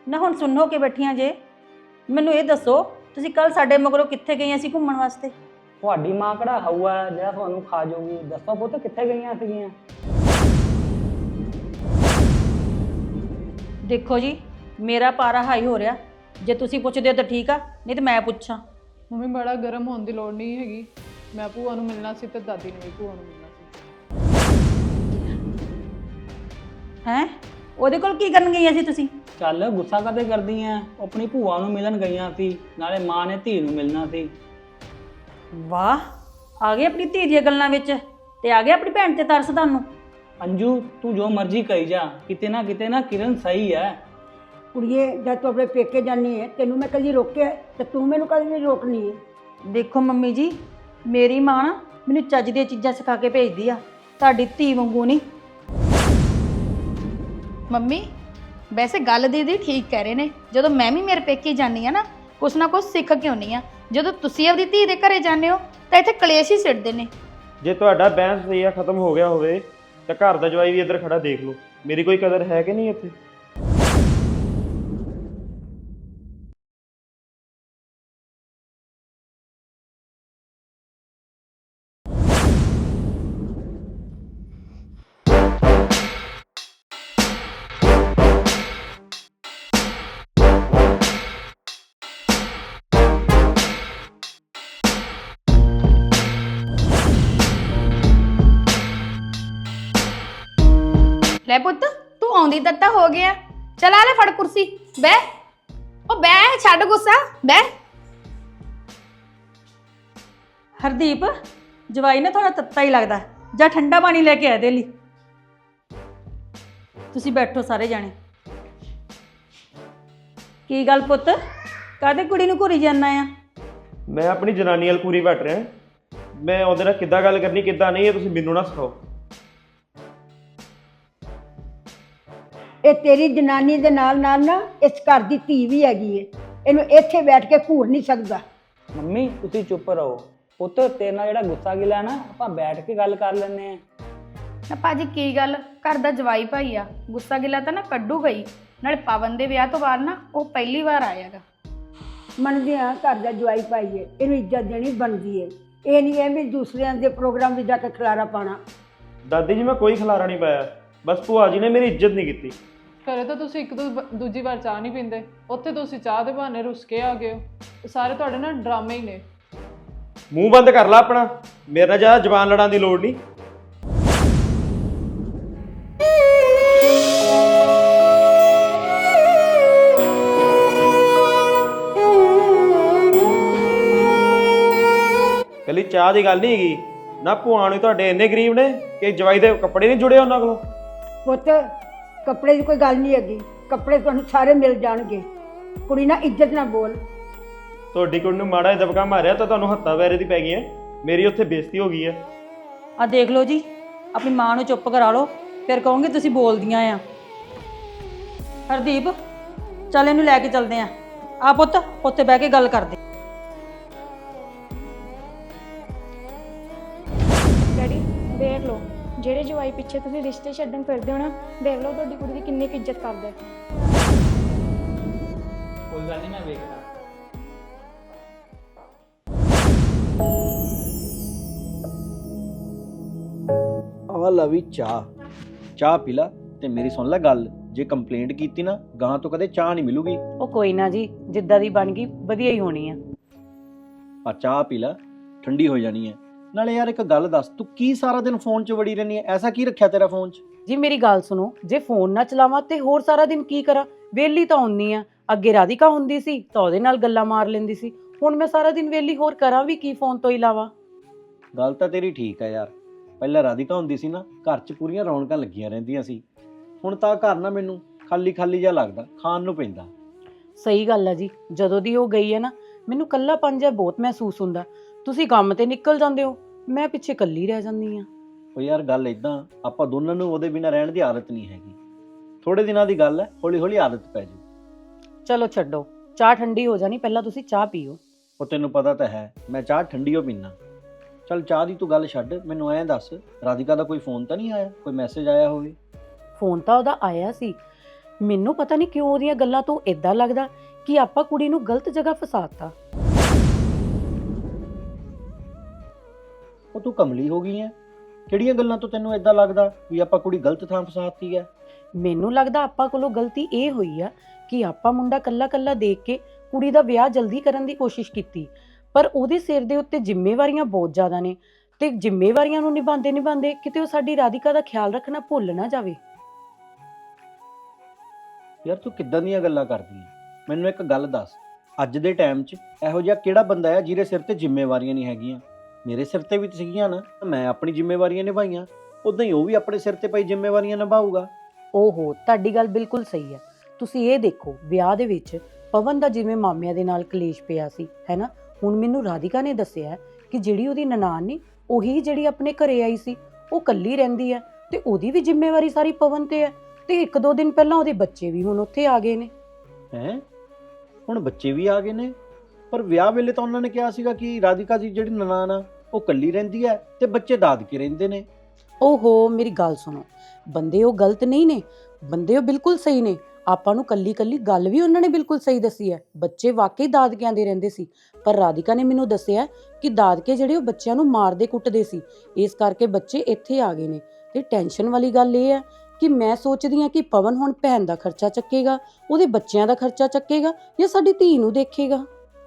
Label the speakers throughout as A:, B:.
A: ਨਾ ਹੁਣ ਸੁਣੋ ਕੇ ਬੈਠੀਆਂ ਜੇ। ਮੈਨੂੰ ਇਹ ਦੱਸੋ ਤੁਸੀਂ ਕੱਲ ਸਾਡੇ ਮਗਰੋਂ ਕਿੱਥੇ ਗਈਆਂ ਸੀ ਘੁੰਮਣ ਵਾਸਤੇ?
B: ਤੁਹਾਡੀ ਮਾਂ ਕਿਹੜਾ ਹਊਆ ਜਿਹੜਾ ਤੁਹਾਨੂੰ ਖਾ ਜਾਊਗੀ? ਦੱਸੋ ਪੁੱਤ ਕਿੱਥੇ ਗਈਆਂ ਸੀਗੀਆਂ?
A: ਦੇਖੋ ਜੀ, ਮੇਰਾ ਪਾਰਾ ਹਾਈ ਹੋ ਰਿਹਾ। ਜੇ ਤੁਸੀਂ ਪੁੱਛਦੇ ਹੋ ਤਾਂ ਠੀਕ ਆ, ਨਹੀਂ ਤਾਂ ਮੈਂ ਪੁੱਛਾਂ।
C: ਮੰਮੀ ਬੜਾ ਗਰਮ ਹੋਣ ਦੀ ਲੋੜ ਨਹੀਂ ਹੈਗੀ। ਮੈਂ ਭੂਆ ਨੂੰ ਮਿਲਣਾ ਸੀ ਤੇ ਦਾਦੀ ਨੇ ਵੀ ਭੂਆ ਨੂੰ ਮਿਲਣਾ ਸੀ।
A: ਹੈਂ, ਉਹਦੇ ਕੋਲ ਕੀ ਕਰਨ ਗਈਆਂ ਸੀ ਤੁਸੀਂ?
B: ਚੱਲ ਗੁੱਸਾ ਕਦੇ ਕਰਦੀ ਐ? ਆਪਣੀ ਭੂਆ ਨੂੰ ਮਿਲਣ ਗਈਆਂ ਸੀ, ਨਾਲੇ ਮਾਂ ਨੇ ਧੀ ਨੂੰ ਮਿਲਣਾ ਸੀ।
A: ਵਾਹ, ਆ ਗਏ ਆਪਣੀ ਧੀ ਦੀਆਂ ਗੱਲਾਂ ਵਿੱਚ ਤੇ ਆ ਗਏ ਆਪਣੀ ਭੈਣ ਤੇ ਤਰਸ ਤੁਹਾਨੂੰ।
B: ਅੰਜੂ ਤੂੰ ਜੋ ਮਰਜ਼ੀ ਕਹੀ ਜਾ, ਕਿਤੇ ਨਾ ਕਿਰਨ ਸਹੀ ਹੈ।
D: ਕੁੜੀਏ, ਜਦ ਤੂੰ ਆਪਣੇ ਪੇਕੇ ਜਾਨੀ ਹੈ ਤੈਨੂੰ ਮੈਂ ਕਦੀ ਰੋਕਿਆ ਤੇ ਤੂੰ ਮੈਨੂੰ ਕਦੀ ਨਹੀਂ ਰੋਕਣੀ ਹੈ।
A: ਦੇਖੋ ਮੰਮੀ ਜੀ, ਮੇਰੀ ਮਾਂ ਨਾ ਮੈਨੂੰ ਚੱਜ ਦੀਆਂ ਚੀਜ਼ਾਂ ਸਿਖਾ ਕੇ ਭੇਜਦੀ ਆ, ਤੁਹਾਡੀ ਧੀ ਵਾਂਗੂ ਨਹੀਂ।
E: ਮੰਮੀ ਵੈਸੇ ਗੱਲ ਦੀਦੀ ਠੀਕ ਕਹਿ ਰਹੇ ਨੇ। ਜਦੋਂ ਮੈਂ ਵੀ ਮੇਰੇ ਪੇਕੇ ਜਾਂਦੀ ਆ ਨਾ, ਕੁਛ ਨਾ ਕੁਛ ਸਿੱਖ ਕੇ ਆਉਂਦੀ ਆ। ਜਦੋਂ ਤੁਸੀਂ ਆਪਦੀ ਧੀ ਦੇ ਘਰੇ ਜਾਂਦੇ ਹੋ ਤਾਂ ਇੱਥੇ ਕਲੇਸ਼ ਹੀ ਸਿੱਟਦੇ ਨੇ।
F: ਜੇ ਤੁਹਾਡਾ ਬਹਿਸ ਸਹੀਆ ਖਤਮ ਹੋ ਗਿਆ ਹੋਵੇ ਤਾਂ ਘਰ ਦਾ ਜਵਾਈ ਵੀ ਇੱਧਰ ਖੜਾ ਦੇਖ ਲਓ। ਮੇਰੀ ਕੋਈ ਕਦਰ ਹੈ ਕਿ ਨਹੀਂ ਇੱਥੇ?
E: ਲੈ ਪੁੱਤ, ਤੂੰ ਆਉਂਦੀ ਤੱਤਾ ਹੋ ਗਿਆ। ਚਲ ਆ ਲੈ ਫੜ ਕੁਰਸੀ, ਬਹਿ। ਉਹ ਬਹਿ, ਛੱਡ ਗੁੱਸਾ, ਬਹਿ।
A: ਹਰਦੀਪ, ਜਵਾਈ ਨਾ ਥੋੜਾ ਤੱਤਾ ਹੀ ਲੱਗਦਾ, ਜਾਂ ਠੰਡਾ ਪਾਣੀ ਲੈ ਕੇ ਆ ਦੇ ਲਈ। ਤੁਸੀਂ ਬੈਠੋ ਸਾਰੇ ਜਾਣੇ। ਕੀ ਗੱਲ ਪੁੱਤ, ਕਾਹਦੇ ਕੁੜੀ ਨੂੰ ਘੂਰੀ ਜਾਂਦਾ ਆ?
F: ਮੈਂ ਆਪਣੀ ਜਨਾਨੀ ਨਾਲ ਪੂਰੀ ਵੱਟ ਰਿਹਾ। ਮੈਂ ਉਹਦੇ ਨਾਲ ਕਿੱਦਾਂ ਗੱਲ ਕਰਨੀ ਕਿੱਦਾਂ ਨਹੀਂ, ਇਹ ਤੁਸੀਂ ਮੈਨੂੰ ਨਾ ਸਿਖਾਓ।
D: ਇਹ ਤੇਰੀ ਜਨਾਨੀ ਦੇ ਨਾਲ ਨਾਲ ਨਾ ਇਸ ਘਰ ਦੀ ਧੀ ਵੀ ਹੈਗੀ ਏ। ਇਹਨੂੰ ਇੱਥੇ ਬੈਠ ਕੇ ਘੂਰ ਨਹੀਂ ਸਕਦਾ।
B: ਮੰਮੀ ਤੁਸੀਂ ਚੁੱਪ ਰਹੋ। ਪੁੱਤ ਤੇਰੇ ਨਾਲ ਜਿਹੜਾ ਗੁੱਸਾ ਗਿਲਾ ਨਾ, ਆਪਾਂ ਬੈਠ ਕੇ ਗੱਲ ਕਰ ਲੈਂਦੇ ਆ।
E: ਨਾ ਭਾਜੀ ਕੀ ਗੱਲ, ਘਰ ਦਾ ਜਵਾਈ ਭਾਈ ਆ, ਗੁੱਸਾ ਗਿਲਾ ਤਾਂ ਨਾ ਕੱਢੂ ਗਈ। ਨਾਲੇ ਪਵਨ ਦੇ ਵਿਆਹ ਤੋਂ ਬਾਅਦ ਨਾ ਉਹ ਪਹਿਲੀ ਵਾਰ ਆਇਆਗਾ।
D: ਮੰਨਦੇ ਹਾਂ ਘਰ ਦਾ ਜਵਾਈ ਭਾਈ ਏ, ਇਹਨੂੰ ਇੱਜ਼ਤ ਦੇਣੀ ਬਣਦੀ ਏ। ਇਹ ਨਹੀਂ ਹੈ ਵੀ ਦੂਸਰਿਆਂ ਦੇ ਪ੍ਰੋਗਰਾਮ ਵਿੱਚ ਜਾ ਕੇ ਖਿਲਾਰਾ ਪਾਣਾ।
F: ਦਾਦੀ ਜੀ ਮੈਂ ਕੋਈ ਖਿਲਾਰਾ ਨਹੀਂ ਪਾਇਆ, ਬਸ ਭੂਆ ਜੀ ਨੇ ਮੇਰੀ ਇੱਜ਼ਤ ਨਹੀਂ ਕੀਤੀ।
C: ਘਰੇ ਤਾਂ ਤੁਸੀਂ ਇੱਕ ਦੂਜੀ ਵਾਰ ਚਾਹ ਨਹੀਂ ਪੀਂਦੇ, ਉੱਥੇ ਤੁਸੀਂ ਚਾਹ ਦੇ ਬਹਾਨੇ ਰੁੱਸ ਕੇ ਆ ਗਏ ਹੋ। ਇਹ ਸਾਰੇ ਤੁਹਾਡੇ ਨਾ ਡਰਾਮੇ ਹੀ ਨੇ।
F: ਮੂੰਹ ਬੰਦ ਕਰ ਲਾ ਆਪਣਾ, ਮੇਰੇ ਨਾਲ ਜ਼ਿਆਦਾ ਜ਼ਬਾਨ ਲੜਾਉਣ ਦੀ ਲੋੜ ਨਹੀਂ। ਕੱਲੀ ਚਾਹ ਦੀ ਗੱਲ ਨਹੀਂ ਹੈਗੀ ਨਾ। ਭੂਆ ਨੂੰ ਤੁਹਾਡੇ ਇੰਨੇ ਗਰੀਬ ਨੇ ਕਿ ਜਵਾਈ ਦੇ ਕੱਪੜੇ ਨਹੀਂ ਜੁੜੇ ਉਹਨਾਂ ਕੋਲੋਂ।
D: ਪੁੱਤ, ਕੱਪੜੇ ਦੀ ਕੋਈ ਗੱਲ ਨਹੀਂ ਹੈਗੀ, ਕੱਪੜੇ ਤੁਹਾਨੂੰ ਸਾਰੇ ਮਿਲ ਜਾਣਗੇ। ਕੁੜੀ ਨਾਲ ਇੱਜ਼ਤ ਨਾਲ ਬੋਲ।
F: ਤੁਹਾਡੀ ਕੁੜੀ ਨੂੰ ਮਾੜਾ ਜਿਹਾ ਦਬਕਾ ਮਾਰਿਆ ਤਾਂ ਤੁਹਾਨੂੰ ਹੱਥਾਂ ਵੈਰੇ ਦੀ ਪੈ ਗਈ ਹੈ। ਮੇਰੀ ਉੱਥੇ ਬੇਇੱਜ਼ਤੀ ਹੋ ਗਈ ਹੈ।
A: ਆ ਦੇਖ ਲਓ ਜੀ, ਆਪਣੀ ਮਾਂ ਨੂੰ ਚੁੱਪ ਕਰਾ ਲਓ, ਫਿਰ ਕਹੋਗੇ ਤੁਸੀਂ ਬੋਲਦੀਆਂ ਆ। ਹਰਦੀਪ, ਚੱਲ ਇਹਨੂੰ ਲੈ ਕੇ ਚੱਲਦੇ ਆ। ਆ ਪੁੱਤ, ਉੱਥੇ ਬਹਿ ਕੇ ਗੱਲ ਕਰਦੇ।
G: ਡੈਡੀ ਦੇਖ ਲਓ, ਜਿਹੜੇ ਜਵਾਈ ਪਿੱਛੇ ਤੁਸੀਂ ਰਿਸ਼ਤੇ ਛੱਡਣ ਫਿਰਦੇ ਹੋ ਨਾ, ਦੇਖ ਲਓ ਤੁਹਾਡੀ ਕੁੜੀ ਦੀ ਕਿੰਨੀ ਕੁ ਇੱਜ਼ਤ ਕਰਦੇ।
B: ਕੋਈ ਗੱਲ ਨਹੀਂ, ਮੈਂ ਵੇਖਦਾ।
H: ਆ ਲਾ ਵੀ ਚਾਹ ਪੀ ਲਾ ਤੇ ਮੇਰੀ ਸੁਣ ਲੈ ਗੱਲ। ਜੇ ਕੰਪਲੇਂਟ ਕੀਤੀ ਨਾ, ਗਾਂ ਤੋਂ ਕਦੇ ਚਾਹ ਨਹੀਂ ਮਿਲੂਗੀ।
A: ਉਹ ਕੋਈ ਨਾ ਜੀ, ਜਿੱਦਾਂ ਦੀ ਬਣ ਗਈ ਵਧੀਆ ਹੀ ਹੋਣੀ ਆ।
H: ਆ ਚਾਹ ਪੀ ਲਾ, ਠੰਡੀ ਹੋ ਜਾਣੀ ਹੈ। ਨਾਲੇ ਯਾਰ ਇੱਕ ਗੱਲ ਦੱਸ, ਤੂੰ ਕੀ ਸਾਰਾ ਦਿਨ ਫੋਨ 'ਚ ਵੜੀ ਰਹਿੰਦੀ ਹੈ? ਐਸਾ ਕੀ ਰੱਖਿਆ ਤੇਰਾ ਫੋਨ 'ਚ?
A: ਜੀ ਮੇਰੀ ਗੱਲ ਸੁਣੋ, ਜੇ ਫੋਨ ਨਾ ਚਲਾਵਾਂ ਤੇ ਹੋਰ ਸਾਰਾ ਦਿਨ ਕੀ ਕਰਾਂ? ਵਿਹਲੀ ਤਾਂ ਹੁੰਦੀ ਆ। ਅੱਗੇ ਰਾਧਿਕਾ ਹੁੰਦੀ ਸੀ ਤਾਂ ਉਹਦੇ ਨਾਲ ਗੱਲਾਂ ਮਾਰ ਲੈਂਦੀ ਸੀ। ਹੁਣ ਮੈਂ ਸਾਰਾ ਦਿਨ ਵਿਹਲੀ, ਹੋਰ ਕਰਾਂ ਵੀ ਕੀ ਫੋਨ ਤੋਂ ਇਲਾਵਾ?
H: ਗੱਲ ਤਾਂ ਤੇਰੀ ਠੀਕ ਹੈ ਯਾਰ। ਪਹਿਲਾਂ ਰਾਧਿਕਾ ਹੁੰਦੀ ਸੀ ਨਾ, ਘਰ 'ਚ ਪੂਰੀਆਂ ਰੌਣਕਾਂ ਲੱਗੀਆਂ ਰਹਿੰਦੀਆਂ ਸੀ। ਹੁਣ ਤਾਂ ਘਰ ਨਾ ਮੈਨੂੰ ਖਾਲੀ ਜਿਹਾ ਲੱਗਦਾ, ਖਾਣ ਨੂੰ ਪੈਂਦਾ।
A: ਸਹੀ ਗੱਲ ਆ ਜੀ, ਜਦੋਂ ਦੀ ਉਹ ਗਈ ਹੈ ਨਾ, ਮੈਨੂੰ ਇਕੱਲਾਪਨ ਜਿਹਾ ਬਹੁਤ ਮਹਿਸੂਸ ਹੁੰਦਾ। ਤੁਸੀਂ ਕੰਮ ਤੇ ਨਿਕਲ ਜਾਂਦੇ ਹੋ, ਮੈਂ ਪਿੱਛੇ ਇਕੱਲੀ ਰਹਿ ਜਾਂਦੀ ਆ।
H: ਉਹ ਯਾਰ ਗੱਲ ਇਦਾਂ, ਆਪਾਂ ਦੋਨਾਂ ਨੂੰ ਉਹਦੇ ਬਿਨਾਂ ਰਹਿਣ ਦੀ ਆਦਤ ਨਹੀਂ ਹੈਗੀ। ਥੋੜੇ ਦਿਨਾਂ ਦੀ ਗੱਲ ਹੈ, ਹੌਲੀ ਹੌਲੀ ਆਦਤ ਪੈ ਜਾਊ।
A: ਚਲੋ ਛੱਡੋ, ਚਾਹ ਠੰਡੀ ਹੋ ਜਾਣੀ, ਪਹਿਲਾਂ ਤੁਸੀਂ ਚਾਹ ਪੀਓ।
H: ਉਹ ਤੈਨੂੰ ਪਤਾ ਤਾਂ ਹੈ ਮੈਂ ਚਾਹ ਠੰਡੀ ਓ ਪੀਨਾ। ਚੱਲ ਚਾਹ ਦੀ ਤੂੰ ਗੱਲ ਛੱਡ, ਮੈਨੂੰ ਐਂ ਦੱਸ, ਰਾਧਿਕਾ ਦਾ ਕੋਈ ਫੋਨ ਤਾਂ ਨਹੀਂ ਆਇਆ? ਕੋਈ ਮੈਸੇਜ ਆਇਆ ਹੋਵੇ?
A: ਫੋਨ ਤਾਂ ਉਹਦਾ ਆਇਆ ਸੀ, ਮੈਨੂੰ ਪਤਾ ਨਹੀਂ ਕਿਉਂ ਉਹਦੀਆਂ ਗੱਲਾਂ ਤੋਂ ਇਦਾਂ ਲੱਗਦਾ ਕਿ ਆਪਾਂ ਕੁੜੀ ਨੂੰ ਗਲਤ ਜਗ੍ਹਾ ਫਸਾਤਾ।
H: ਉਹ ਤੂੰ ਕਮਲੀ ਹੋ ਗਈ ਐ? ਕਿਹੜੀਆਂ ਗੱਲਾਂ ਤੋਂ ਤੈਨੂੰ ਇਦਾਂ ਲੱਗਦਾ ਵੀ ਆਪਾਂ ਕੁੜੀ ਗਲਤ ਥਾਂ ਫਸਾਤੀ ਐ?
A: ਮੈਨੂੰ ਲੱਗਦਾ ਆਪਾਂ ਕੋਲੋਂ ਗਲਤੀ ਇਹ ਹੋਈ ਆ ਕਿ ਆਪਾਂ ਮੁੰਡਾ ਕੱਲਾ ਕੱਲਾ ਦੇਖ ਕੇ ਕੁੜੀ ਦਾ ਵਿਆਹ ਜਲਦੀ ਕਰਨ ਦੀ ਕੋਸ਼ਿਸ਼ ਕੀਤੀ, ਪਰ ਉਹਦੇ ਸਿਰ ਦੇ ਉੱਤੇ ਜ਼ਿੰਮੇਵਾਰੀਆਂ ਬਹੁਤ ਜ਼ਿਆਦਾ ਨੇ ਤੇ ਜ਼ਿੰਮੇਵਾਰੀਆਂ ਨੂੰ ਨਿਭਾਉਂਦੇ ਕਿਤੇ ਉਹ ਸਾਡੀ ਰਾਧਿਕਾ ਦਾ ਖਿਆਲ ਰੱਖਣਾ ਭੁੱਲ ਨਾ ਜਾਵੇ।
H: ਯਾਰ ਤੂੰ ਕਿੱਦਾਂ ਦੀਆਂ ਗੱਲਾਂ ਕਰਦੀ ਐ? ਮੈਨੂੰ ਇੱਕ ਗੱਲ ਦੱਸ, ਅੱਜ ਦੇ ਟਾਈਮ 'ਚ ਇਹੋ ਜਿਹਾ ਕਿਹੜਾ ਬੰਦਾ ਹੈ ਜਿਹਦੇ ਸਿਰ ਤੇ ਜ਼ਿੰਮੇਵਾਰੀਆਂ ਨਹੀਂ ਹੈਗੀਆਂ? ਮੇਰੇ ਸਿਰ ਤੇ ਵੀ ਤਾਂ ਸੀਗੀਆਂ ਨਾ, ਮੈਂ ਆਪਣੀ ਜ਼ਿੰਮੇਵਾਰੀਆਂ ਨਿਭਾਈਆਂ, ਉਦਾਂ ਹੀ ਉਹ ਵੀ ਆਪਣੇ ਸਿਰ ਤੇ ਪਈ ਜ਼ਿੰਮੇਵਾਰੀਆਂ ਨਿਭਾਊਗਾ।
A: ਓਹੋ, ਤੁਹਾਡੀ ਗੱਲ ਬਿਲਕੁਲ ਸਹੀ ਹੈ। ਤੁਸੀਂ ਇਹ ਦੇਖੋ, ਵਿਆਹ ਦੇ ਵਿੱਚ ਪਵਨ ਦਾ ਜਿਵੇਂ ਮਾਮਿਆਂ ਦੇ ਨਾਲ ਕਲੇਸ਼ ਪਿਆ ਸੀ, ਹੈ ਨਾ, ਹੁਣ ਮੈਨੂੰ ਰਾਧਿਕਾ ਨੇ ਦੱਸਿਆ ਕਿ ਜਿਹੜੀ ਉਹਦੀ ਨਨਾਣ ਨੇ, ਉਹੀ ਜਿਹੜੀ ਆਪਣੇ ਘਰੇ ਆਈ ਸੀ, ਉਹ ਇਕੱਲੀ ਰਹਿੰਦੀ ਹੈ ਤੇ ਉਹਦੀ ਵੀ ਜ਼ਿੰਮੇਵਾਰੀ ਸਾਰੀ ਪਵਨ ਤੇ ਹੈ ਤੇ 1-2 ਦਿਨ ਪਹਿਲਾਂ ਉਹਦੇ ਬੱਚੇ ਵੀ ਹੁਣ ਉੱਥੇ ਆ ਗਏ ਨੇ।
H: ਹੈਂ? ਹੁਣ ਬੱਚੇ ਵੀ ਆ ਗਏ ਨੇ? ਪਰ ਵਿਆਹ ਵੇਲੇ ਤਾਂ ਉਹਨਾਂ ਨੇ ਕਿਹਾ ਸੀਗਾ ਕਿ ਰਾਧਿਕਾ ਦੀ ਜਿਹੜੀ ਨਨਾਣ ਆ ਉਹ ਇਕੱਲੀ ਰਹਿੰਦੀ ਹੈ ਤੇ ਬੱਚੇ ਦਾਦਕੇ ਰਹਿੰਦੇ ਨੇ।
A: ਓਹੋ, ਮੇਰੀ ਗੱਲ ਸੁਣੋ, ਬੰਦੇ ਉਹ ਗਲਤ ਨਹੀਂ ਨੇ, ਬੰਦੇ ਉਹ ਬਿਲਕੁਲ ਸਹੀ ਨੇ। ਆਪਾਂ ਨੂੰ ਕੱਲੀ ਗੱਲ ਵੀ ਉਹਨਾਂ ਨੇ ਬਿਲਕੁਲ ਸਹੀ ਦੱਸੀ ਹੈ। ਬੱਚੇ ਵਾਕਈ ਦਾਦਕਿਆਂ ਦੇ ਰਹਿੰਦੇ ਸੀ, ਪਰ ਰਾਧਿਕਾ ਨੇ ਮੈਨੂੰ ਦੱਸਿਆ ਕਿ ਦਾਦਕੇ ਜਿਹੜੇ ਉਹ ਬੱਚਿਆਂ ਨੂੰ ਮਾਰਦੇ ਕੁੱਟਦੇ ਸੀ, ਇਸ ਕਰਕੇ ਬੱਚੇ ਇੱਥੇ ਆ ਗਏ ਨੇ। ਤੇ ਟੈਨਸ਼ਨ ਵਾਲੀ ਗੱਲ ਇਹ ਹੈ ਕਿ ਮੈਂ ਸੋਚਦੀ ਹਾਂ ਕਿ ਪਵਨ ਹੁਣ ਭੈਣ ਦਾ ਖਰਚਾ ਚੱਕੇਗਾ, ਉਹਦੇ ਬੱਚਿਆਂ ਦਾ ਖਰਚਾ ਚੱਕੇਗਾ ਜਾਂ ਸਾਡੀ ਧੀ ਨੂੰ ਦੇਖੇਗਾ।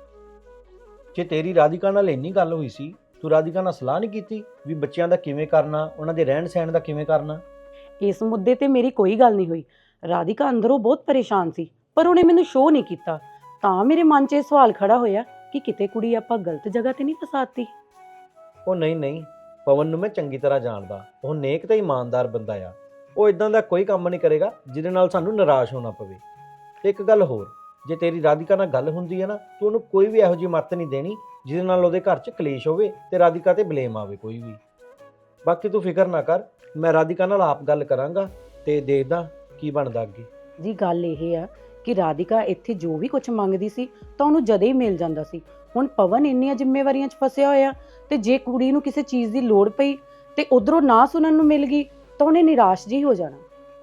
H: ਜੇ ਤੇਰੀ ਰਾਧਿਕਾ ਨਾਲ ਇੰਨੀ ਗੱਲ ਹੋਈ ਸੀ, ਤੂੰ ਰਾਧਿਕਾ ਨਾਲ ਸਲਾਹ ਨਹੀਂ ਕੀਤੀ ਵੀ ਬੱਚਿਆਂ ਦਾ ਕਿਵੇਂ ਕਰਨਾ, ਉਹਨਾਂ ਦੇ ਰਹਿਣ ਸਹਿਣ ਦਾ ਕਿਵੇਂ ਕਰਨਾ?
A: ਇਸ ਮੁੱਦੇ ਤੇ ਮੇਰੀ ਕੋਈ ਗੱਲ ਨਹੀਂ ਹੋਈ। ਰਾਧਿਕਾ ਅੰਦਰੋਂ ਬਹੁਤ ਪਰੇਸ਼ਾਨ ਸੀ, ਪਰ ਉਹਨੇ ਮੈਨੂੰ ਸ਼ੋਅ ਨਹੀਂ ਕੀਤਾ। ਤਾਂ ਮੇਰੇ ਮਨ 'ਚ ਇਹ ਸਵਾਲ ਖੜਾ ਹੋਇਆ ਕਿ ਕਿਤੇ ਕੁੜੀ ਆਪਾਂ ਗਲਤ ਜਗ੍ਹਾ ਤੇ ਨਹੀਂ ਫਸਾਤੀ।
H: ਉਹ ਨਹੀਂ, ਪਵਨ ਨੂੰ ਮੈਂ ਚੰਗੀ ਤਰ੍ਹਾਂ ਜਾਣਦਾ, ਉਹ ਨੇਕ ਤੇ ਇਮਾਨਦਾਰ ਬੰਦਾ ਆ। ਉਹ ਇਦਾਂ ਦਾ ਕੋਈ ਕੰਮ ਨਹੀਂ ਕਰੇਗਾ ਜਿਹਦੇ ਨਾਲ ਸਾਨੂੰ ਨਿਰਾਸ਼ ਹੋਣਾ ਪਵੇ। ਤੇ ਇੱਕ ਗੱਲ ਹੋਰ, ਜੇ ਤੇਰੀ ਰਾਧਿਕਾ ਨਾਲ ਗੱਲ ਹੁੰਦੀ ਹੈ ਨਾ, ਤੂੰ ਉਹਨੂੰ ਕੋਈ ਵੀ ਇਹੋ ਜਿਹੀ ਮੱਤ ਨਹੀਂ ਦੇਣੀ ਜਿਹਦੇ ਨਾਲ ਉਹਦੇ ਘਰ 'ਚ ਕਲੇਸ਼ ਹੋਵੇ ਤੇ ਰਾਧਿਕਾ ਤੇ ਬਲੇਮ ਆਵੇ ਕੋਈ ਵੀ। ਬਾਕੀ ਤੂੰ ਫਿਕਰ ਨਾ ਕਰ, ਮੈਂ ਰਾਧਿਕਾ ਨਾਲ ਆਪ ਗੱਲ ਕਰਾਂਗਾ ਤੇ ਦੇਖਦਾ ਕੀ ਬਣਦਾ ਅੱਗੇ।
A: ਜੀ ਗੱਲ ਇਹ ਆ ਕਿ ਰਾਧਿਕਾ ਇੱਥੇ ਜੋ ਵੀ ਕੁਝ ਮੰਗਦੀ ਸੀ ਤਾਂ ਉਹਨੂੰ ਜਦੇ ਹੀ ਮਿਲ ਜਾਂਦਾ ਸੀ। ਹੁਣ ਪਵਨ ਇੰਨੀਆਂ ਜ਼ਿੰਮੇਵਾਰੀਆਂ 'ਚ ਫਸਿਆ ਹੋਇਆ ਤੇ ਜੇ ਕੁੜੀ ਨੂੰ ਕਿਸੇ ਚੀਜ਼ ਦੀ ਲੋੜ ਪਈ ਤੇ ਉਧਰੋਂ ਨਾ ਸੁਣਨ ਨੂੰ ਮਿਲ ਗਈ ਤਾਂ ਉਹਨੇ ਨਿਰਾਸ਼ ਜੀ ਹੋ ਜਾਣਾ।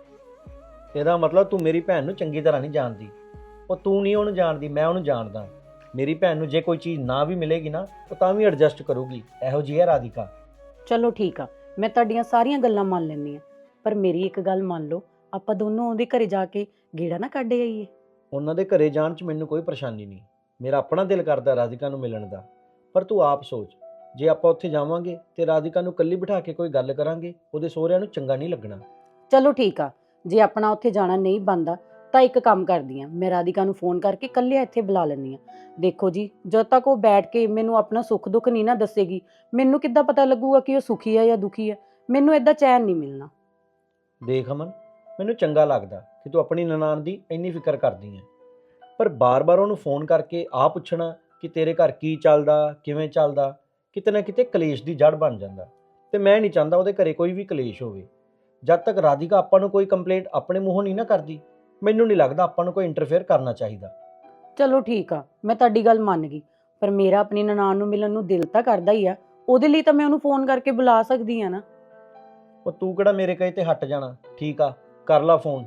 H: ਇਹਦਾ ਮਤਲਬ ਤੂੰ ਮੇਰੀ ਭੈਣ ਨੂੰ ਚੰਗੀ ਤਰ੍ਹਾਂ ਨਹੀਂ ਜਾਣਦੀ। ਉਹ ਤੂੰ ਨਹੀਂ ਉਹਨੂੰ ਜਾਣਦੀ, ਮੈਂ ਉਹਨੂੰ ਜਾਣਦਾ। ਮੇਰੀ ਭੈਣ ਨੂੰ ਜੇ ਕੋਈ ਚੀਜ਼ ਨਾ ਵੀ ਮਿਲੇਗੀ ਨਾ, ਉਹ ਤਾਂ ਵੀ ਐਡਜਸਟ ਕਰੂਗੀ। ਇਹੋ ਜਿਹੀ ਹੈ ਰਾਧਿਕਾ।
A: ਚਲੋ ਠੀਕ ਆ, ਮੈਂ ਤੁਹਾਡੀਆਂ ਸਾਰੀਆਂ ਗੱਲਾਂ ਮੰਨ ਲੈਂਦੀ ਆ, ਪਰ ਮੇਰੀ ਇੱਕ ਗੱਲ ਮੰਨ ਲਓ, ਆਪਾਂ ਦੋਨੋਂ ਉਹਦੇ ਘਰੇ ਜਾ ਕੇ ਗੇੜਾ ਨਾ ਕੱਢ ਆਈਏ।
H: ਉਹਨਾਂ ਦੇ ਘਰੇ ਜਾਣ 'ਚ ਮੈਨੂੰ ਕੋਈ ਪਰੇਸ਼ਾਨੀ ਨਹੀਂ, ਮੇਰਾ ਆਪਣਾ ਦਿਲ ਕਰਦਾ ਰਾਧਿਕਾ ਨੂੰ ਮਿਲਣ ਦਾ। ਪਰ ਤੂੰ ਆਪ ਸੋਚ, ਜੇ ਆਪਾਂ ਉੱਥੇ ਜਾਵਾਂਗੇ ਤੇ ਰਾਧਿਕਾ ਨੂੰ ਇਕੱਲੀ ਬਿਠਾ ਕੇ ਕੋਈ ਗੱਲ ਕਰਾਂਗੇ, ਉਹਦੇ ਸਹੁਰਿਆਂ ਨੂੰ ਚੰਗਾ ਨਹੀਂ ਲੱਗਣਾ।
A: ਚਲੋ ਠੀਕ ਆ, ਜੇ ਆਪਣਾ ਉੱਥੇ ਜਾਣਾ ਨਹੀਂ ਬਣਦਾ ਤਾਂ ਇੱਕ ਕੰਮ ਕਰਦੀ ਆ, ਮੈਂ ਰਾਧਿਕਾ ਨੂੰ ਫੋਨ ਕਰਕੇ ਇਕੱਲਿਆਂ ਇੱਥੇ ਬੁਲਾ ਲੈਂਦੀ ਆ। ਦੇਖੋ ਜੀ, ਜਦ ਤੱਕ ਉਹ ਬੈਠ ਕੇ ਮੈਨੂੰ ਆਪਣਾ ਸੁੱਖ ਦੁੱਖ ਨਹੀਂ ਨਾ ਦੱਸੇਗੀ, ਮੈਨੂੰ ਕਿੱਦਾਂ ਪਤਾ ਲੱਗੂਗਾ ਕਿ ਉਹ ਸੁਖੀ ਆ ਜਾਂ ਦੁਖੀ ਆ? ਮੈਨੂੰ ਏਦਾਂ ਚੈਨ ਨਹੀਂ ਮਿਲਣਾ।
H: ਦੇਖ ਅਮਨ, ਮੈਨੂੰ ਚੰਗਾ ਲੱਗਦਾ ਕਿ ਤੂੰ ਆਪਣੀ ਨਨਾਣ ਦੀ ਇੰਨੀ ਫਿਕਰ ਕਰਦੀ ਹੈ, ਪਰ ਬਾਰ-ਬਾਰ ਉਹਨੂੰ ਫੋਨ ਕਰਕੇ ਆ ਪੁੱਛਣਾ ਕਿ ਤੇਰੇ ਘਰ ਕੀ ਚੱਲਦਾ, ਕਿਵੇਂ ਚੱਲਦਾ, ਕਿਤੇ ਨਾ ਕਿਤੇ ਕਲੇਸ਼ ਦੀ ਜੜ ਬਣ ਜਾਂਦਾ। ਤੇ ਮੈਂ ਨਹੀਂ ਚਾਹੁੰਦਾ ਉਹਦੇ ਘਰੇ ਕੋਈ ਵੀ ਕਲੇਸ਼ ਹੋਵੇ। ਜਦ ਤੱਕ ਰਾਧਿਕਾ ਆਪਾਂ ਨੂੰ ਕੋਈ ਕੰਪਲੇਂਟ ਆਪਣੇ ਮੂੰਹੋਂ ਨਹੀਂ ਨਾ ਕਰਦੀ, ਮੈਨੂੰ ਨਹੀਂ ਲੱਗਦਾ ਆਪਾਂ ਨੂੰ ਕੋਈ ਇੰਟਰਫੇਅਰ ਕਰਨਾ ਚਾਹੀਦਾ।
A: ਚਲੋ ਠੀਕ ਆ, ਮੈਂ ਤੁਹਾਡੀ ਗੱਲ ਮੰਨ ਗਈ, ਪਰ ਮੇਰਾ ਆਪਣੀ ਨਨਾਣ ਨੂੰ ਮਿਲਣ ਨੂੰ ਦਿਲ ਤਾਂ ਕਰਦਾ ਹੀ ਆ। ਉਹਦੇ ਲਈ ਤਾਂ ਮੈਂ ਉਹਨੂੰ ਫੋਨ ਕਰਕੇ ਬੁਲਾ ਸਕਦੀ ਆ ਨਾ।
H: ਉਹ ਤੂੰ ਕਿਹੜਾ ਮੇਰੇ ਕਹੇ ਤੇ ਹਟ ਜਾਣਾ? ਠੀਕ ਆ, ਕਰ ਲਾ ਫੋਨ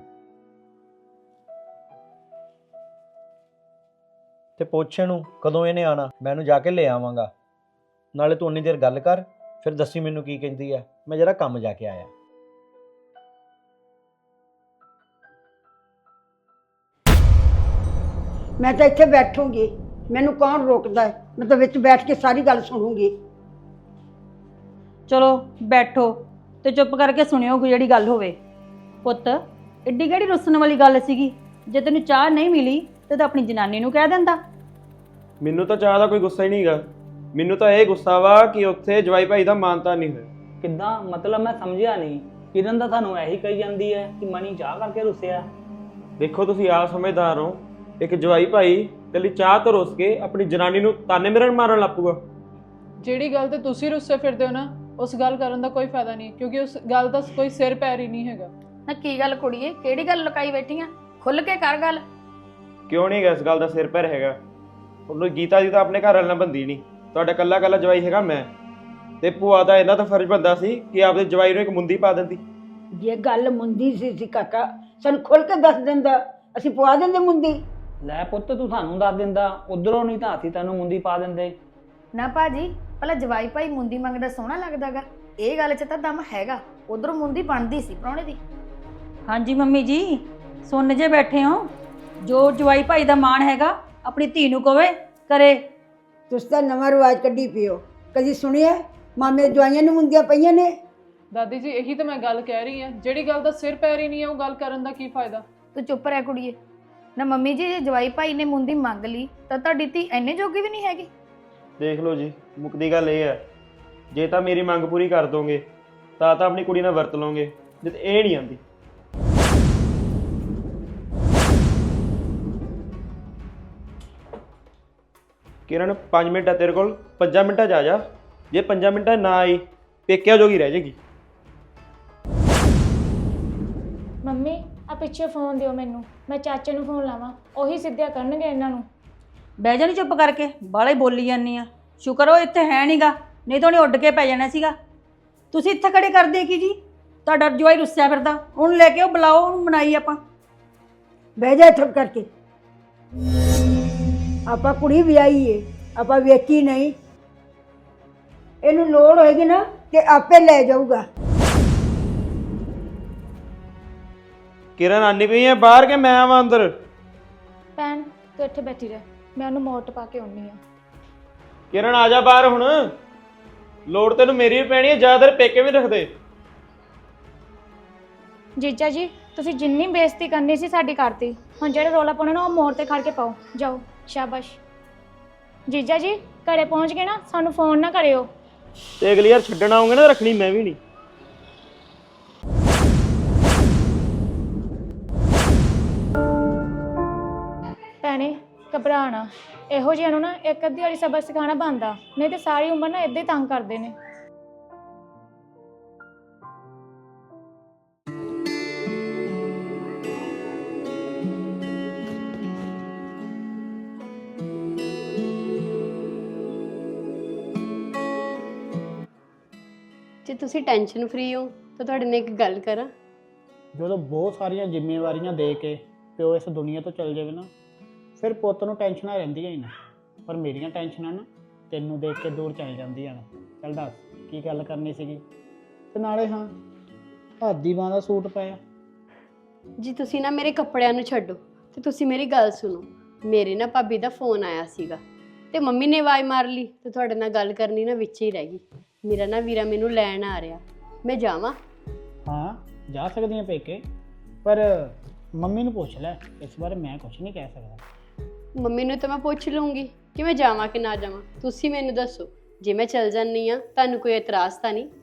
H: ਤੇ ਪੁੱਛ ਇਹਨੂੰ ਕਦੋਂ ਇਹਨੇ ਆਣਾ, ਮੈਂ ਇਹਨੂੰ ਜਾ ਕੇ ਲੈ ਆਵਾਂਗਾ। ਨਾਲੇ ਤੂੰ ਉਨੀ ਦੇਰ ਗੱਲ ਕਰ, ਫਿਰ ਦੱਸੀ ਮੈਨੂੰ ਕੀ ਕਹਿੰਦੀ ਆ। ਮੈਂ ਜਰਾ ਕੰਮ ਜਾ ਕੇ ਆਇਆ।
D: ਮੈਂ ਤਾਂ ਇੱਥੇ ਬੈਠੂੰਗੀ, ਮੈਨੂੰ ਕੌਣ ਰੋਕਦਾ ਹੈ? ਮੈਂ ਤਾਂ ਵਿੱਚ ਬੈਠ ਕੇ ਸਾਰੀ ਗੱਲ ਸੁਣੂੰਗੀ।
I: ਚਲੋ ਬੈਠੋ ਤੇ ਚੁੱਪ ਕਰਕੇ ਸੁਣਿਓ ਕੋਈ ਜਿਹੜੀ ਗੱਲ ਹੋਵੇ। ਪੁੱਤ, ਏਡੀ ਕਿਹੜੀ ਰੁੱਸਣ ਵਾਲੀ ਗੱਲ ਸੀਗੀ? ਜੇ ਤੈਨੂੰ ਚਾਹ ਨਹੀਂ ਮਿਲੀ ਤੇ ਤਾਂ ਆਪਣੀ ਜਨਾਨੀ ਨੂੰ ਕਹਿ ਦਿੰਦਾ।
F: ਮੈਨੂੰ ਤਾਂ ਚਾਹ ਦਾ ਕੋਈ ਗੁੱਸਾ ਹੀ ਨਹੀਂ ਹੈਗਾ, ਮੈਨੂੰ ਤਾਂ ਇਹ ਗੁੱਸਾ ਵਾ ਕਿ ਉੱਥੇ ਜਵਾਈ ਭਾਈ ਦਾ ਮਾਨਤਾ ਨਹੀਂ ਹੋਇਆ।
B: ਕਿੱਦਾਂ ਮਤਲਬ? ਮੈਂ ਸਮਝਿਆ ਨਹੀਂ। ਕਿਰਨ ਤਾਂ ਤੁਹਾਨੂੰ ਇਹੀ ਕਹੀ ਜਾਂਦੀ ਹੈ ਕਿ ਮਣੀ ਚਾਹ ਕਰਕੇ ਰੁੱਸਿਆ।
F: ਦੇਖੋ ਤੁਸੀਂ ਆਪ ਸਮਝਦਾਰ ਹੋ, ਇੱਕ ਜਵਾਈ ਭਾਈ ਕੱਲੀ ਚਾਹ ਤੋਂ ਰੁੱਸ ਕੇ ਆਪਣੀ ਜਨਾਨੀ ਨੂੰ ਤਾਨੇ ਮਿਹਣ ਮਾਰਨ ਲੱਪੂਗਾ।
C: ਜਿਹੜੀ ਗੱਲ ਤੇ ਤੁਸੀਂ ਰੁੱਸੇ ਫਿਰਦੇ ਹੋ ਨਾ, ਉਸ ਗੱਲ ਕਰਨ ਦਾ ਕੋਈ ਫਾਇਦਾ ਨਹੀਂ, ਕਿਉਂਕਿ ਉਸ ਗੱਲ ਦਾ ਕੋਈ ਸਿਰ ਪੈਰ ਹੀ ਨਹੀਂ ਹੈਗਾ।
E: ਨਾ ਕੀ ਗੱਲ ਕੁੜੀਏ, ਕਿਹੜੀ ਗੱਲ ਲੁਕਾਈ ਬੈਠੀ ਆ? ਖੁੱਲ ਕੇ ਕਰ ਗੱਲ।
F: ਕਿਉਂ ਨਹੀਂ ਹੈਗਾ ਇਸ ਗੱਲ ਦਾ ਸਿਰ ਪੈਰ ਹੈਗਾ? ਉਹਨੂੰ ਗੀਤਾ ਜੀ ਤਾਂ ਆਪਣੇ ਘਰ ਵਾਲ ਨਾਲ ਬੰਦੀ ਨਹੀਂ, ਤੁਹਾਡਾ ਕੱਲਾ ਕੱਲਾ ਜਵਾਈ ਹੈਗਾ ਮੈਂ। ਤੇ ਭੂਆ ਦਾ ਇਹਨਾਂ ਤਾਂ ਫਰਜ਼ ਬਣਦਾ ਸੀ ਕਿ ਆਪਦੇ ਜਵਾਈ ਨੂੰ ਇੱਕ ਮੁੰਦੀ ਪਾ ਦਿੰਦੀ।
D: ਜੇ ਗੱਲ ਮੁੰਦੀ ਸੀ ਕਾਕਾ, ਸਾਨੂੰ ਖੁੱਲ ਕੇ ਦੱਸ ਦਿੰਦਾ, ਅਸੀਂ ਪਵਾ ਦਿੰਦੇ ਮੁੰਦੀ।
B: ਲੈ ਪੁੱਤ ਤੂੰ ਸਾਨੂੰ ਦੱਸ ਦਿੰਦਾ, ਉਧਰੋਂ ਨਹੀਂ ਤਾਂ ਅਸੀਂ ਤੈਨੂੰ ਮੁੰਦੀ ਪਾ ਦਿੰਦੇ।
E: ਨਾ ਭਾਜੀ, ਭਲਾ ਜਵਾਈ ਭਾਈ ਮੁੰਦੀ ਮੰਗਦਾ ਸੋਹਣਾ ਲੱਗਦਾਗਾ? ਇਹ ਗੱਲ 'ਚ ਤਾਂ ਦਮ ਹੈਗਾ। ਉਧਰੋਂ ਮੁੰਦੀ ਬਣਦੀ ਸੀ ਪ੍ਰਾਹੁਣੇ ਦੀ।
I: ਹਾਂਜੀ ਮੰਮੀ ਜੀ, ਸੁਣ ਜੇ ਬੈਠੇ ਹੋ। ਜੋ ਜਵਾਈ ਭਾਈ ਦਾ ਮਾਣ ਹੈਗਾ ਆਪਣੀ ਧੀ ਨੂੰ ਕਵੇ ਕਰੇ।
D: ਤੁਸੀਂ ਤਾਂ ਨਵਾਂ ਰਿਵਾਜ ਕੱਢੀ ਪਿਓ, ਕਦੀ ਸੁਣਿਆ ਮਾਮੇ ਜਵਾਈਆਂ ਨੂੰ ਮੁੰਦੀਆਂ ਪਈਆਂ ਨੇ?
C: ਦਾਦੀ ਜੀ ਇਹੀ ਤਾਂ ਮੈਂ ਗੱਲ ਕਹਿ ਰਹੀ ਹਾਂ, ਜਿਹੜੀ ਗੱਲ ਦਾ ਸਿਰ ਪੈਰ ਹੀ ਨਹੀਂ ਹੈ ਉਹ ਗੱਲ ਕਰਨ ਦਾ ਕੀ ਫਾਇਦਾ।
E: ਤੂੰ ਚੁੱਪ ਰਹਿ ਕੁੜੀਏ। ਨਾ ਮੰਮੀ ਜੀ, ਜੇ ਜਵਾਈ ਭਾਈ ਨੇ ਮੁੰਦੀ ਮੰਗ ਲਈ ਤਾਂ ਤੁਹਾਡੀ ਧੀ ਇੰਨੇ ਜੋਗੀ ਵੀ ਨਹੀਂ ਹੈਗੀ।
F: ਦੇਖ ਲਓ ਜੀ, ਮੁੱਕਦੀ ਗੱਲ ਇਹ ਹੈ, ਜੇ ਤਾਂ ਮੇਰੀ ਮੰਗ ਪੂਰੀ ਕਰ ਦੋਗੇ ਤਾਂ ਆਪਣੀ ਕੁੜੀ ਨਾਲ ਵਰਤ ਲਓਗੇ, ਜੇ ਤਾਂ ਇਹ ਨਹੀਂ ਆਂਦੀ। ਕਿਰਨ 5 ਮਿੰਟ ਆ ਤੇਰੇ ਕੋਲ, 5 ਮਿੰਟਾਂ 'ਚ ਆ ਜਾ। ਜੇ 5 ਮਿੰਟਾਂ 'ਚ ਨਾ ਆਈ ਪੇਕਿਆਂ ਜੋਗੀ ਰਹਿ ਜਾਏਗੀ।
G: ਮੰਮੀ ਆ ਪਿੱਛੇ ਫੋਨ ਦਿਓ ਮੈਨੂੰ, ਮੈਂ ਚਾਚੇ ਨੂੰ ਫੋਨ ਲਾਵਾਂ, ਉਹੀ ਸਿੱਧਿਆ ਕਰਨਗੇ ਇਹਨਾਂ ਨੂੰ।
I: ਬਹਿ ਜਾ ਨੀ ਚੁੱਪ ਕਰਕੇ, ਬਾਹਲਾ ਹੀ ਬੋਲੀ ਜਾਂਦੀ ਆ। ਸ਼ੁਕਰ ਉਹ ਇੱਥੇ ਹੈ ਨਹੀਂਗਾ, ਨਹੀਂ ਤਾਂ ਉਹਨੇ ਉੱਡ ਕੇ ਪੈ ਜਾਣਾ ਸੀਗਾ। ਤੁਸੀਂ ਇੱਥੇ ਖੜੇ ਕਰਦੇ ਕੀ ਜੀ? ਤੁਹਾਡਾ ਜਵਾਈ ਰੁੱਸਿਆ ਫਿਰਦਾ, ਉਹਨੂੰ ਲੈ ਕੇ ਉਹ ਬੁਲਾਓ, ਉਹਨੂੰ ਮਨਾਈ ਆਪਾਂ।
D: ਬਹਿ ਜਾ ਠੱਪ ਕਰਕੇ। ਆਪਾਂ ਕੁੜੀ ਵਿਆਹੀ ਏ, ਆਪਾਂ ਵੇਚੀ ਨਹੀਂ। ਇਹਨੂੰ ਲੋੜ ਹੋਏਗੀ ਨਾ ਤੇ ਆਪੇ ਲੈ ਜਾਊਗਾ।
F: ਕਿਰਨ ਆਨੀ ਪਈ ਹੈ ਬਾਹਰ ਕਿ ਮੈਂ ਆਵਾਂ ਅੰਦਰ?
G: ਭੈਣ ਤੂੰ ਇੱਥੇ ਬੈਠੀ ਰਹਿ, ਮੈਂ ਉਹਨੂੰ ਮੋਟ ਪਾ ਕੇ ਆਉਣੀ ਆ।
F: ਕਿਰਨ ਆ ਜਾ ਬਾਹਰ ਹੁਣ, ਲੋੜ ਤੈਨੂੰ ਮੇਰੀ ਵੀ ਪੈਣੀ ਹੈ, ਜ਼ਿਆਦਾਤਰ ਪੇਕੇ ਵੀ ਰੱਖਦੇ।
G: ਜੀਜਾ ਜੀ ਤੁਸੀਂ ਜਿੰਨੀ ਬੇਇੱਜ਼ਤੀ ਕਰਨੀ ਸੀ ਸਾਡੀ ਕਰਤੀ, ਹੁਣ ਜਿਹੜੇ ਰੋਲਾ ਪਾਉਣਾ ਨਾ ਉਹ ਮੋੜ ਤੇ ਖੜ ਕੇ ਪਾਓ। ਜਾਓ, ਸ਼ਾਬਾਸ਼। ਜੀਜਾ ਜੀ ਘਰੇ ਪਹੁੰਚ ਗਏ ਨਾ, ਸਾਨੂੰ ਫੋਨ ਨਾ ਕਰਿਓ।
F: ਤੇ ਅਗਲੀ ਵਾਰ ਛੱਡਣ ਆਉਂਗੇ ਨਾ ਰੱਖਣੀ ਮੈਂ ਵੀ ਨਹੀਂ।
G: ਭੈਣੇ ਘਬਰਾਣਾ, ਇਹੋ ਜਿਹਾ ਨੂੰ ਨਾ ਇੱਕ ਅੱਧੀ ਵਾਲੀ ਸਬਕ ਸਿਖਾਉਣਾ ਬਣਦਾ, ਨਹੀਂ ਤੇ ਸਾਰੀ ਉਮਰ ਨਾ ਇੱਦਾਂ ਹੀ ਤੰਗ ਕਰਦੇ ਨੇ।
J: ਜੇ ਤੁਸੀਂ ਟੈਨਸ਼ਨ ਫ੍ਰੀ ਹੋ ਤਾਂ ਤੁਹਾਡੇ ਨਾਲ ਇੱਕ ਗੱਲ ਕਰਾਂ।
B: ਜਦੋਂ ਬਹੁਤ ਸਾਰੀਆਂ ਜ਼ਿੰਮੇਵਾਰੀਆਂ ਦੇ ਕੇ ਪਿਓ ਇਸ ਦੁਨੀਆ ਤੋਂ ਚਲ ਜਾਵੇ ਨਾ, ਫਿਰ ਪੁੱਤ ਨੂੰ ਟੈਨਸ਼ਨਾਂ ਰਹਿੰਦੀਆਂ ਹੀ ਨਾ। ਪਰ ਮੇਰੀਆਂ ਟੈਨਸ਼ਨਾਂ ਨਾ ਤੈਨੂੰ ਦੇਖ ਕੇ ਦੂਰ ਚਲ ਜਾਂਦੀਆਂ ਨੇ। ਚੱਲ ਦੱਸ ਕੀ ਗੱਲ ਕਰਨੀ ਸੀਗੀ? ਤੇ ਨਾਲੇ ਹਾਂ, ਹਾਦੀ ਬਾਂਹ ਦਾ ਸੂਟ ਪਾਇਆ।
J: ਜੀ ਤੁਸੀਂ ਨਾ ਮੇਰੇ ਕੱਪੜਿਆਂ ਨੂੰ ਛੱਡੋ ਤੇ ਤੁਸੀਂ ਮੇਰੀ ਗੱਲ ਸੁਣੋ। ਮੇਰੇ ਨਾ ਭਾਬੀ ਦਾ ਫੋਨ ਆਇਆ ਸੀਗਾ ਤੇ ਮੰਮੀ ਨੇ ਆਵਾਜ਼ ਮਾਰ ਲਈ ਤੇ ਤੁਹਾਡੇ ਨਾਲ ਗੱਲ ਕਰਨੀ ਨਾ ਵਿੱਚ ਹੀ ਰਹਿ ਗਈ। ਮੇਰਾ ਨਾ ਵੀਰਾ ਮੈਨੂੰ ਲੈਣ ਆ ਰਿਹਾ, ਮੈਂ ਜਾਵਾਂ?
B: ਹਾਂ ਜਾ ਸਕਦੀਆਂ ਪੇਕੇ, ਪਰ ਮੰਮੀ ਨੂੰ ਪੁੱਛ ਲੈ, ਇਸ ਬਾਰੇ ਮੈਂ ਕੁਝ ਨਹੀਂ ਕਹਿ ਸਕਦਾ।
J: ਮੰਮੀ ਨੂੰ ਤਾਂ ਮੈਂ ਪੁੱਛ ਲੂੰਗੀ ਕਿ ਮੈਂ ਜਾਵਾਂ ਕਿ ਨਾ ਜਾਵਾਂ। ਤੁਸੀਂ ਮੈਨੂੰ ਦੱਸੋ, ਜੇ ਮੈਂ ਚਲ ਜਾਂਦੀ ਆ ਤੁਹਾਨੂੰ ਕੋਈ ਇਤਰਾਜ਼ ਤਾਂ ਨਹੀਂ?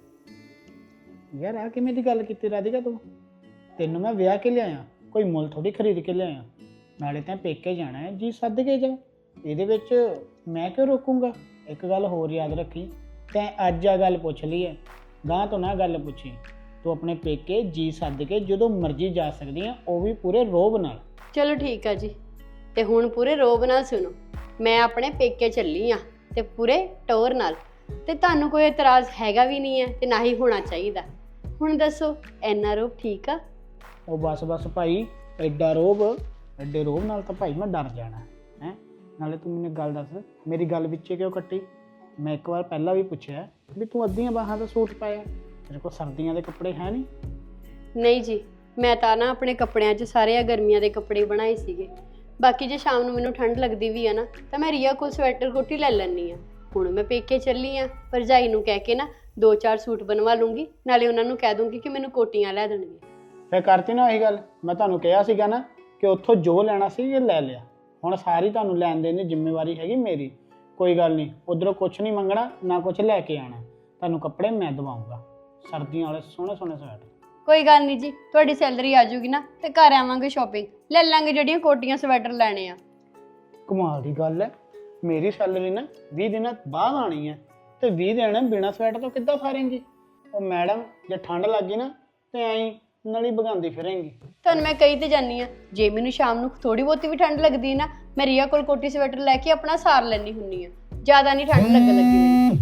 B: ਯਾਰ ਆ ਕਿਵੇਂ ਦੀ ਗੱਲ ਕੀਤੀ ਰਾਧਿਕਾ ਤੂੰ? ਤੈਨੂੰ ਮੈਂ ਵਿਆਹ ਕੇ ਲਿਆਇਆ, ਕੋਈ ਮੁੱਲ ਥੋੜੀ ਖਰੀਦ ਕੇ ਲਿਆਇਆ। ਨਾਲੇ ਤਾਂ ਪੇਕੇ ਜਾਣਾ ਹੈ, ਜੀ ਸੱਦ ਕੇ ਜਾ, ਇਹਦੇ ਵਿੱਚ ਮੈਂ ਕਿਉਂ ਰੋਕੂੰਗਾ। ਇੱਕ ਗੱਲ ਹੋਰ ਯਾਦ ਰੱਖੀ, ਤੈਂ ਅੱਜ ਆ ਗੱਲ ਪੁੱਛ ਲਈ ਹੈ, ਗਾਂ ਤੋਂ ਨਾ ਗੱਲ ਪੁੱਛੀ। ਤੂੰ ਆਪਣੇ ਪੇਕੇ ਜੀ ਸੱਦ ਕੇ ਜਦੋਂ ਮਰਜ਼ੀ ਜਾ ਸਕਦੀ ਆ, ਉਹ ਵੀ ਪੂਰੇ ਰੋਬ ਨਾਲ।
J: ਚਲੋ ਠੀਕ ਆ ਜੀ, ਤੇ ਹੁਣ ਪੂਰੇ ਰੋਬ ਨਾਲ ਸੁਣੋ। ਮੈਂ ਆਪਣੇ ਪੇਕੇ ਚੱਲੀ ਆ ਤੇ ਪੂਰੇ ਟੋਰ ਨਾਲ, ਤੇ ਤੁਹਾਨੂੰ ਕੋਈ ਇਤਰਾਜ਼ ਹੈਗਾ ਵੀ ਨਹੀਂ ਹੈ ਤੇ ਨਾ ਹੀ ਹੋਣਾ ਚਾਹੀਦਾ। ਹੁਣ ਦੱਸੋ ਇੰਨਾ ਰੋਬ ਠੀਕ ਆ?
B: ਉਹ ਬਸ ਭਾਈ, ਐਡੇ ਰੋਬ ਨਾਲ ਤਾਂ ਭਾਈ ਮੈਂ ਡਰ ਜਾਣਾ ਹੈ। ਨਾਲੇ ਤੂੰ ਮੈਨੂੰ ਗੱਲ ਦੱਸ, ਮੇਰੀ ਗੱਲ ਵਿੱਚੇ ਕਿਉਂ ਕੱਟੀ? ਮੈਂ ਇੱਕ ਵਾਰ ਪਹਿਲਾਂ ਵੀ ਪੁੱਛਿਆ ਵੀ ਤੂੰ ਅੱਧੀਆਂ ਬਾਹਾਂ ਦਾ ਸੂਟ ਪਾਇਆ, ਤੇਰੇ ਕੋਲ ਸਰਦੀਆਂ ਦੇ ਕੱਪੜੇ ਹੈ ਨਹੀਂ?
J: ਨਹੀਂ ਜੀ, ਮੈਂ ਤਾਂ ਨਾ ਆਪਣੇ ਕੱਪੜਿਆਂ 'ਚ ਸਾਰੇ ਗਰਮੀਆਂ ਦੇ ਕੱਪੜੇ ਬਣਾਏ ਸੀਗੇ। ਬਾਕੀ ਜੇ ਸ਼ਾਮ ਨੂੰ ਮੈਨੂੰ ਠੰਡ ਲੱਗਦੀ ਵੀ ਆ ਨਾ ਤਾਂ ਮੈਂ ਰੀਆ ਕੋਲ ਸਵੈਟਰ ਕੋਟੀ ਲੈ ਲੈਂਦੀ ਆ। ਹੁਣ ਮੈਂ ਪੇਕੇ ਚੱਲੀ ਆ, ਭਰਜਾਈ ਨੂੰ ਕਹਿ ਕੇ ਨਾ 2-4 ਸੂਟ ਬਣਵਾ ਲੂੰਗੀ, ਨਾਲੇ ਉਹਨਾਂ ਨੂੰ ਕਹਿ ਦੂੰਗੀ ਕਿ ਮੈਨੂੰ ਕੋਟੀਆਂ ਲੈ ਦੇਣਗੇ।
B: ਫਿਰ ਕਰਤੀ ਨਾ ਉਹੀ ਗੱਲ, ਮੈਂ ਤੁਹਾਨੂੰ ਕਿਹਾ ਸੀਗਾ ਨਾ ਕਿ ਉੱਥੋਂ ਜੋ ਲੈਣਾ ਸੀ ਇਹ ਲੈ ਲਿਆ। ਹੁਣ ਸਾਰੀ ਤੁਹਾਨੂੰ ਲੈਣ ਦੇਣ ਦੀ ਜ਼ਿੰਮੇਵਾਰੀ ਹੈਗੀ ਮੇਰੀ। ਕੋਈ ਗੱਲ ਨਹੀਂ, ਉਧਰੋਂ ਕੁਛ ਨਹੀਂ ਮੰਗਣਾ ਨਾ ਕੁਛ ਲੈ ਕੇ ਆਣਾ, ਤੁਹਾਨੂੰ ਕੱਪੜੇ ਮੈਂ ਦਵਾਉਂਗਾ, ਸਰਦੀਆਂ ਵਾਲੇ ਸੋਹਣੇ ਸਵੈਟਰ।
J: ਕੋਈ ਗੱਲ ਨਹੀਂ ਜੀ, ਤੁਹਾਡੀ ਸੈਲਰੀ ਆ ਜਾਊਗੀ ਨਾ ਤੇ ਘਰ ਆਵਾਂਗੇ, ਸ਼ਾਪਿੰਗ ਲੈ ਲਾਂਗੇ, ਜਿਹੜੀਆਂ ਕੋਟੀਆਂ ਸਵੈਟਰ ਲੈਣੇ ਆ।
B: ਕਮਾਲ ਦੀ ਗੱਲ ਹੈ, ਮੇਰੀ ਸੈਲਰੀ ਨਾ 20 ਦਿਨਾਂ ਬਾਅਦ ਆਣੀ ਹੈ ਤੇ 20 ਦਿਨ ਬਿਨਾਂ ਸਵੈਟਰ ਤੋਂ ਕਿੱਦਾਂ ਫਾਰੇਂਗੀ? ਉਹ ਮੈਡਮ ਜੇ ਠੰਡ ਲੱਗ ਗਈ ਨਾ ਤੇ ਐਂ ਨਲੀ ਭਗਾਉਂਦੀ ਫਿਰੇਂਗੀ।
J: ਤੁਹਾਨੂੰ ਮੈਂ ਕਹੀ ਤੇ ਜਾਨੀ ਆ, ਜੇ ਮੈਨੂੰ ਸ਼ਾਮ ਨੂੰ ਥੋੜੀ ਬਹੁਤੀ ਵੀ ਠੰਡ ਲੱਗਦੀ ਹੈ ਨਾ, ਮੈਂ ਰੀਆ ਕੋਲ ਕੋਟੀ ਸਵੈਟਰ ਲੈ ਕੇ ਆਪਣਾ ਸਾਰ ਲੈਣੀ ਹੁੰਨੀ ਆ। ਜ਼ਿਆਦਾ ਨਹੀਂ ਠੰਡ ਲੱਗਣ ਲੱਗੀ ਮੈਨੂੰ।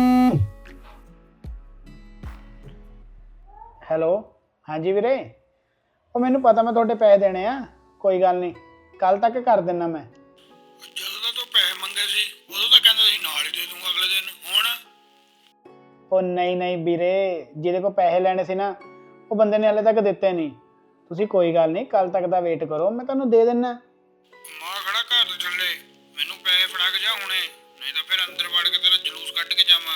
B: ਹੈਲੋ, ਹਾਂਜੀ ਵੀਰੇ, ਉਹ ਮੈਨੂੰ ਪਤਾ ਮੈਂ ਤੁਹਾਡੇ ਪੈਸੇ ਦੇਣੇ ਆ, ਕੋਈ ਗੱਲ ਨਹੀਂ, ਕੱਲ ਤੱਕ ਕਰ ਦਿੰਨਾ ਮੈਂ।
K: ਜਦੋਂ ਦਾ ਤੂੰ ਪੈਸੇ ਮੰਗੇ ਸੀ ਉਦੋਂ ਤਾਂ ਕਹਿੰਦਾ ਸੀ ਨਾਲ ਹੀ ਦੇ ਦੂੰਗਾ ਅਗਲੇ ਦਿਨ। ਹੁਣ
B: ਉਹ ਨਹੀਂ ਵੀਰੇ, ਜਿਹਦੇ ਕੋਲ ਪੈਸੇ ਲੈਣੇ ਸੀ ਨਾ ਉਹ ਬੰਦੇ ਨੇ ਹਲੇ ਤੱਕ ਦਿੱਤੇ ਨਹੀਂ। ਤੁਸੀਂ ਕੋਈ ਗੱਲ ਨਹੀਂ, ਕੱਲ ਤੱਕ ਦਾ ਵੇਟ ਕਰੋ, ਮੈਂ ਤੁਹਾਨੂੰ ਦੇ ਦਿੰਨਾ।
K: ਮਾਂ ਖੜਾ ਘਰ ਦੇ ਥੱਲੇ, ਮੈਨੂੰ ਪੈਸੇ ਫੜਾ ਕੇ ਜਾ ਹੁਣੇ, ਨਹੀਂ ਤਾਂ ਫਿਰ ਅੰਦਰ ਵੜ ਕੇ ਤੇਰਾ ਜਲੂਸ ਕੱਢ ਕੇ ਜਾਵਾਂ।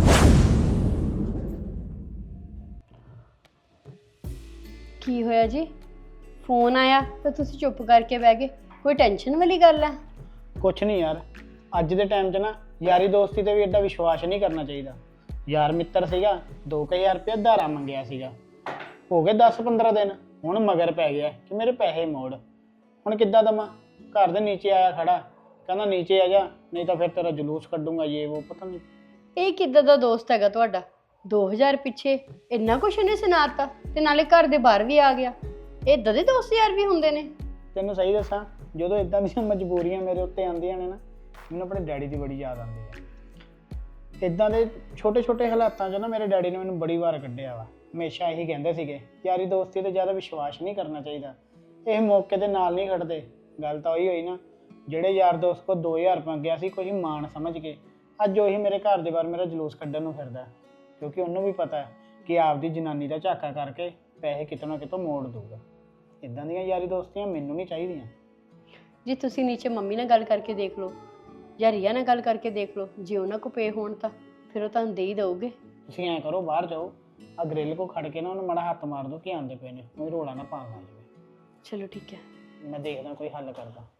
J: ਕੀ ਹੋਇਆ ਜੀ? ਫੋਨ ਆਇਆ ਤਾਂ ਤੁਸੀਂ ਚੁੱਪ ਕਰਕੇ ਬਹਿ ਗਏ, ਕੋਈ ਟੈਨਸ਼ਨ ਵਾਲੀ ਗੱਲ ਹੈ?
B: ਕੁਛ ਨਹੀਂ ਯਾਰ, ਅੱਜ ਦੇ ਟਾਈਮ 'ਚ ਨਾ ਯਾਰੀ ਦੋਸਤੀ ਤੇ ਵੀ ਐਡਾ ਵਿਸ਼ਵਾਸ ਨਹੀਂ ਕਰਨਾ ਚਾਹੀਦਾ। ਯਾਰ ਮਿੱਤਰ ਸੀਗਾ, 2000 ਰੁਪਏ ਉਧਾਰਾ ਮੰਗਿਆ ਸੀਗਾ, ਹੋ ਗਏ 10-15 ਦਿਨ, ਹੁਣ ਮਗਰ ਪੈ ਗਿਆ ਕਿ ਮੇਰੇ ਪੈਸੇ ਮੋੜ। ਹੁਣ ਕਿੱਦਾਂ ਦਵਾਂ? ਘਰ ਦੇ ਨੀਚੇ ਆਇਆ ਖੜਾ, ਕਹਿੰਦਾ ਨੀਚੇ ਆ ਜਾ ਨਹੀਂ ਤਾਂ ਫਿਰ ਤੇਰਾ ਜਲੂਸ ਕੱਢੂੰਗਾ, ਇਹ ਉਹ ਪਤਾ ਨਹੀਂ।
J: ਇਹ ਕਿੱਦਾਂ ਦਾ ਦੋਸਤ ਹੈਗਾ ਤੁਹਾਡਾ? 2000 ਪਿੱਛੇ ਇੰਨਾ ਕੁਛ ਉਹਨੇ ਸੁਣਾਤਾ ਤੇ ਨਾਲੇ ਘਰ ਦੇ ਬਾਹਰ ਵੀ ਆ ਗਿਆ। ਇਦਾਂ ਦੇ ਦੋਸਤ ਯਾਰ ਵੀ ਹੁੰਦੇ ਨੇ?
B: ਤੈਨੂੰ ਸਹੀ ਦੱਸਾਂ, ਜਦੋਂ ਇਦਾਂ ਦੀਆਂ ਮਜਬੂਰੀਆਂ ਮੇਰੇ ਉੱਤੇ ਆਉਂਦੀਆਂ ਨੇ ਨਾ, ਮੈਨੂੰ ਆਪਣੇ ਡੈਡੀ ਦੀ ਬੜੀ ਯਾਦ ਆਉਂਦੀ ਹੈ। ਇਦਾਂ ਦੇ ਛੋਟੇ ਹਾਲਾਤਾਂ 'ਚ ਨਾ ਮੇਰੇ ਡੈਡੀ ਨੇ ਮੈਨੂੰ ਬੜੀ ਵਾਰ ਕੱਢਿਆ ਵਾ। ਹਮੇਸ਼ਾ ਇਹੀ ਕਹਿੰਦੇ ਸੀਗੇ, ਯਾਰੀ ਦੋਸਤੀ ਤੇ ਜ਼ਿਆਦਾ ਵਿਸ਼ਵਾਸ ਨਹੀਂ ਕਰਨਾ ਚਾਹੀਦਾ, ਇਹ ਮੌਕੇ ਦੇ ਨਾਲ ਨਹੀਂ ਖੜਦੇ। ਗੱਲ ਤਾਂ ਉਹੀ ਹੋਈ ਨਾ, ਜਿਹੜੇ ਯਾਰ ਦੋਸਤ ਕੋਲ 2000 ਮੰਗਿਆ ਸੀ ਕੋਈ ਮਾਣ ਸਮਝ ਕੇ, ਅੱਜ ਉਹੀ ਮੇਰੇ ਘਰ ਦੇ ਬਾਹਰ ਮੇਰਾ ਜਲੂਸ ਕੱਢਣ ਨੂੰ ਫਿਰਦਾ, ਕਿਉਂਕਿ ਉਹਨੂੰ ਵੀ ਪਤਾ ਹੈ ਕਿ ਆਪਦੀ ਜਨਾਨੀ ਦਾ ਝਾਕਾ ਕਰਕੇ ਪੈਸੇ ਕਿਤੋਂ ਨਾ ਕਿਤੋਂ ਮੋੜ ਦੂਗਾ। ਇਦਾਂ ਦੀਆਂ ਯਾਰੀ ਦੋਸਤੀਆਂ ਮੈਨੂੰ ਨਹੀਂ ਚਾਹੀਦੀਆਂ।
J: ਜੀ ਤੁਸੀਂ ਨੀਚੇ ਮੰਮੀ ਨਾਲ ਗੱਲ ਕਰਕੇ ਦੇਖ ਲਓ ਜਾਂ ਰੀਆ ਨਾਲ ਗੱਲ ਕਰਕੇ ਦੇਖ ਲਓ, ਜੇ ਉਹਨਾਂ ਕੋ ਪੇ ਹੋਣ ਤਾਂ ਫਿਰ ਉਹ ਤੁਹਾਨੂੰ ਦੇ ਹੀ ਦਊਗੇ।
B: ਤੁਸੀਂ ਐਂ ਕਰੋ, ਬਾਹਰ ਜਾਓ, ਆ ਗ੍ਰਿਲ ਕੋ ਖੜ ਕੇ ਨਾ ਉਹਨੂੰ ਮਾੜਾ ਹੱਥ ਮਾਰ ਦਿਓ ਕਿ ਆਉਂਦੇ ਪਏ ਨੇ, ਕੋਈ ਰੋਲਾ ਨਾ ਪਾ ਜਾਵੇ।
J: ਚਲੋ ਠੀਕ ਹੈ,
B: ਮੈਂ ਦੇਖਦਾ ਕੋਈ ਹੱਲ ਕਰਦਾ।